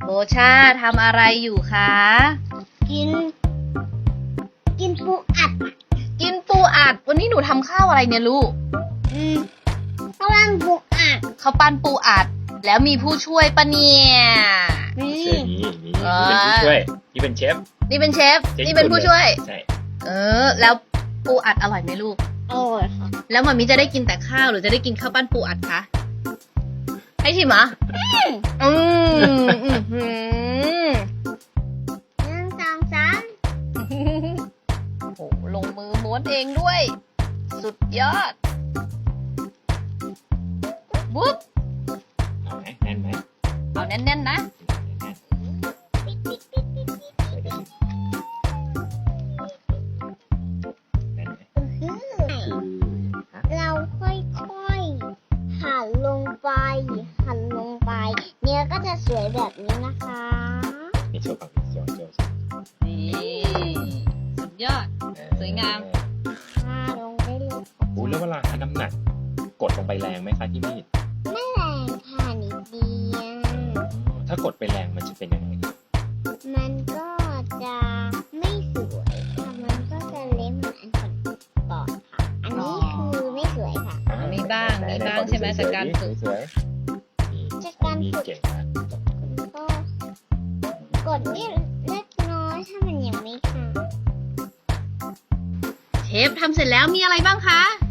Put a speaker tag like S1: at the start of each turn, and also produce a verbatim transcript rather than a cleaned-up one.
S1: โบชาทำอะไรอยู่คะ
S2: กิน กินปูอัด
S1: กินปูอัด วันนี้หนูทำข้าวอะไรเนี่ยลูก
S2: อืมข้าวปั้นปูอัด
S1: ข้าวปั้นปูอัด แล้วมีผู้ช่วยปะเนี่ย
S2: นี่
S3: เชฟนี่นี่เป็นผู้ช่วยนี่เป็นเชฟ
S1: นี่เป็นเชฟ นี่เป็นผู้ช่วย
S3: ใช่
S1: เออ แล้วปูอัดอร่อยไหมลูก
S2: อร่อยค่ะ
S1: แล้วมันมีจะได้กินแต่ข้าวหรือจะได้กินข้าวปั้นปูอัดคะ ให้ชิมเหรออืมอืมอืม
S2: หนึ่งสองสาม
S1: โอ้โหลงมือม้วนเองด้วย สุดยอดบุ๊บ
S3: เอาไหมแน่นไหม
S1: เอาแน่นๆนะ
S2: ปิดปิดปิดปิดปิด
S3: แน่นไหม
S2: อื้อ
S3: คือฮะ
S2: เราค่อยๆหั่นลงไป หั่นลงไป เนื้อก็จะสวยแบบนี้นะคะ
S3: นี่โชว์ฝั่งนี้โชว์โชว์โชว์
S1: นี่สุดยอด สวยงาม
S2: ค่ะลงได้เลย
S3: อู้แล้วเวลาหาน้ำหนัก กดลงไปแรงไหมคะที่มีด
S2: ไม่แรงค่ะนิดเดียว
S3: ถ้ากดไปแรงมันจะเป็นยังไง
S2: มันก็จะไม่สวยค่ะ มันก็จะเละเหมือนอันก่อนๆค่ะ อันนี้คือไม่สวยค่ะ
S1: มีบ้างมีบ้างใช่ไหมจากการฝึก
S3: สวยๆนี่
S2: จากการฝึก
S3: มีเก่งมาก
S2: ก็กดนิดเล็กน้อยถ้ามันยังไม่ขาด
S1: เชฟทำเสร็จแล้วมีอะไรบ้างคะ